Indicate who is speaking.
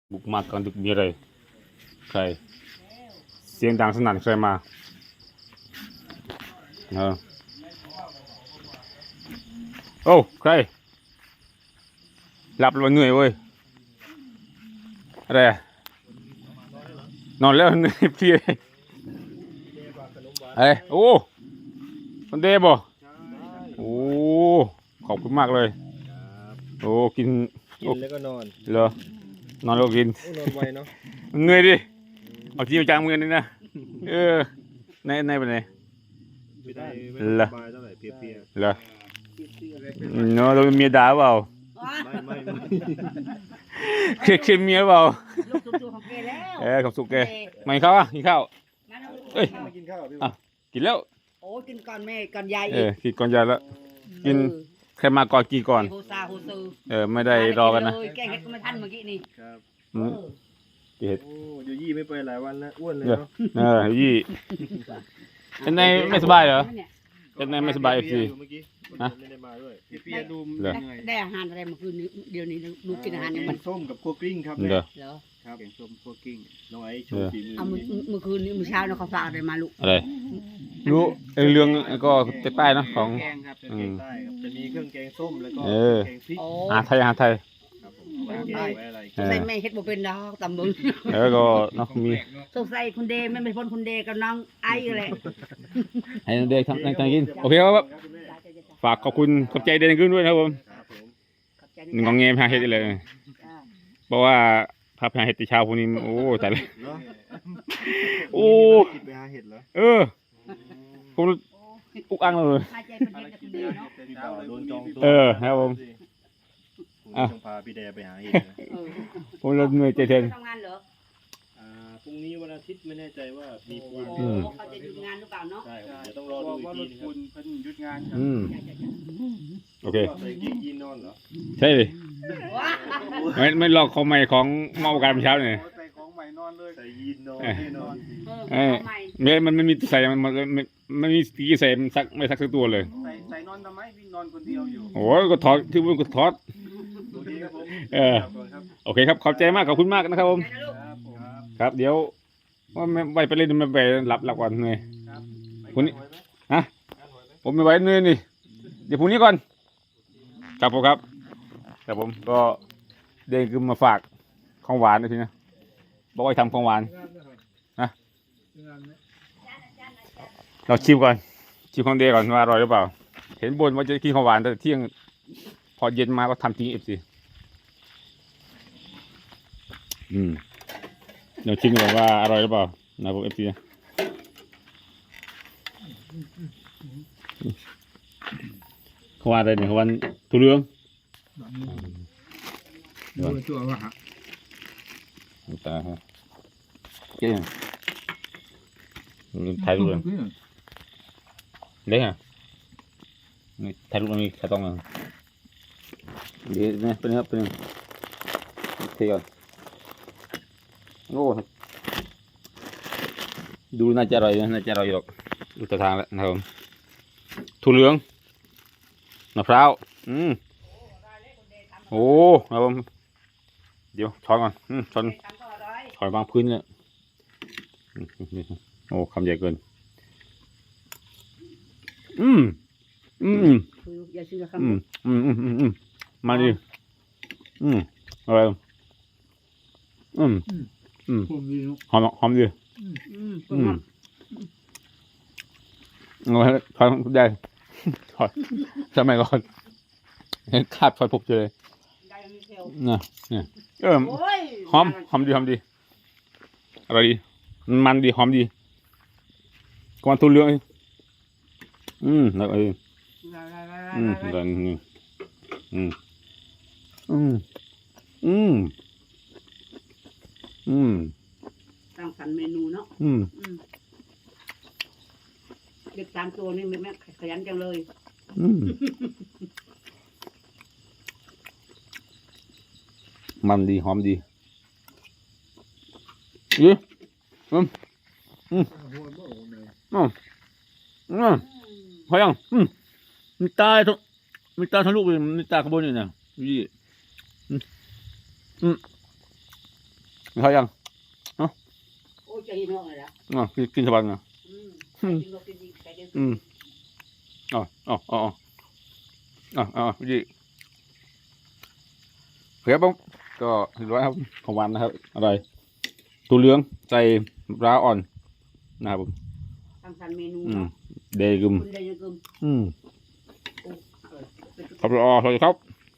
Speaker 1: บุกมากลางดึกมีอะไรใครเสียงดังสนั่นใครมาโอ้ใครหลับแล้วเหนื่อยเว้ยอะไรนอนแล้วเหนื่อยเพลียเฮ้ยโอ้คนเดบ่โอ้ขอบคุณมากเลยโอ้กิน
Speaker 2: แล้วก็นอน
Speaker 1: เหรอนอนแล้วกิน
Speaker 2: นอนไวเนาะ
Speaker 1: เหนื่อยดิเอาจริงจังมือนี่นะในเป็นไงเหรอเหรอเนาะเราเมียด่าเปล่าไม่เครียดเมียเปล่าของสุกแกไม่เข้าอ่ะกินข้าวเอ้ยกินข้าวกินแล้ว
Speaker 3: โอ้กินก่อนแม่ก่อนยาย
Speaker 1: กินก่อนยายแล้วกินใครมาก่อนกี่ก่อนไม่ได้รอกันนะ
Speaker 3: แกงเห็ดก็ไม่ทันเมื่อกี้นี่
Speaker 2: ครับ
Speaker 1: เห็ด
Speaker 2: โอ้ยยี่ไม่ไปหลายวันแล้วอ้วนเลยเนาะ
Speaker 1: ยี่เป็นไงไม่สบายเหรอเป็นไงไม่สบายสิ
Speaker 2: ฮะไม่ได้มาด้วยเปียดู
Speaker 3: ได้อาหารอะไรเมื่อคืนนี้เดี๋ยวนี้ลูกกินอาหารยังมัน
Speaker 2: ส้มกับคั่วกลิ้งครับ
Speaker 1: เหรอ
Speaker 2: ครับแกงส้มคั่วกลิ้งน้องไอ้โชว์ฝีมือ
Speaker 3: เมื่อคืนนี้เมื่อเช้าเขาฝากอะไรมาลูก
Speaker 1: อะไรรู้เรื่องก็ใต้นะของ
Speaker 2: แกงครับแกงใต้ครับจะมีเครื่องแกงส้มแล้วก็แกงพริก
Speaker 1: ไทยไทย
Speaker 3: ใส่แม่เฮ็ดบ่เป็นดอกตำบึง
Speaker 1: แล้วก็น้องมี
Speaker 3: สงสัยคุณเดไม่เป็นคนคุณเดกับน้องไอ้อะไร
Speaker 1: ให้น้องเดทำกินโอเคครับฝากขอบคุณขอบใจเดนขึ้นด้วยนะครับผมงองเงี้ยพาเฮ็ดเลยเพราะว่าพาเฮ็ดตีเช้าพวกนี้โอ้แต่เลยโอ้ผมอุกอังเลยครับผม
Speaker 2: พาพี่แดไปหาเห็ด
Speaker 1: ผมเราเหนื่อยใจเทน
Speaker 3: ทำงานเหรอ
Speaker 2: พรุ่งนี้วันอาทิตย์ไม่แน่ใจว่ามีปูน
Speaker 3: เขาจะหยุดงานหรือเปล่าเนาะ
Speaker 2: ใช่เดี๋ยวต้องรอดูอีกทีนึงครับ
Speaker 4: เพิ่นหยุดงาน
Speaker 1: โอเค
Speaker 2: ใส่กีนนอนเหรอ
Speaker 1: ใช่เลยไม่ลอกของใหม่ของเมาการเช้าเนี่ย
Speaker 4: ใส่ของใหม่นอนเลย
Speaker 2: ใส่ยีนนอนแน่นอน
Speaker 1: มันไม่มีใส่มันมีตีใส่มันซักไม่ซักสักตัวเลย
Speaker 4: ใส่นอนทำไมพี่นอนคนเดียวอยู่
Speaker 1: โอ้ยก็ถอดที่มันก็ถอดโอเคครับขอบใจมากขอบคุณมากนะครับผมครับเดี๋ยวว่าไม่ไปเล่นไม่ไปหลับก่อนเลยพรุ่งนี้ฮะผมไม่ไหวเหนื่อยนี่เดี๋ยวพรุ่งนี้ก่อนครับผมครับผมก็เดินขึ้นมาฝากของหวานนะทีนะบอกว่าทำของหวานนะเราชิมก่อนชิมของเดย์ก่อนว่าอร่อยหรือเปล่าเห็นบนว่าจะกินของหวานแต่เที่ยงพอเย็นมาก็ทำทิ้งสิเดี๋ยวชิมก่อนว่าอร่อยหรือเปล่านะผมFCเขาว่าอะไรเนี่ยเขาว่าทุเรียน
Speaker 4: ตัวว่าฮะ
Speaker 1: ตาฮะเก่งไทยรูปเล็กอ่ะนี่ไทยรูปมันมีแค่ต้องเดี๋ยวนี่เป็นครับเป็นเที่ยวโอ้ดูน่าจะอร่อยน่าจะอร่อยหรอกดูตาทางแล้วนะครับถั่วเหลืองมะพร้าวโอ้ครับผมเดี๋ยวช้อนก่อนช้อนถอยวางพื้นเลยโอ้คำใหญ่เกินมาดิอะไรหอมดีถอยได้ถอยสมัยก่อนเห็นขาดถอยปุกเลยเนี่ยหอมดีอะไรดีมันดีหอมดีก่อนทุเรียนแล้วแล้ว
Speaker 3: สร้างสรรค์เมนูเนาะเด็ก3 ตัวนี่แม่ขยันจังเลย
Speaker 1: มันดีหอมดีพอยังมีตาทั้งลูกเลยมีตาขบวนอยู่นะยี่มีข้าวยัง
Speaker 3: โอ้ยใจเย็นหน่อยละ
Speaker 1: กินสบายนะ
Speaker 3: กินก็กินดีใจเดียว
Speaker 1: ยี่เฮ้ยบ้างก็เรียบร้อยครับของหวานนะครับอะไรตัวเหลืองใส่ปลาอ่อนนะครับผม
Speaker 3: ทำสันเมนู
Speaker 1: เดย์กึม
Speaker 3: คุณได้ยังกึม
Speaker 1: ครับรอสวัสดีครับ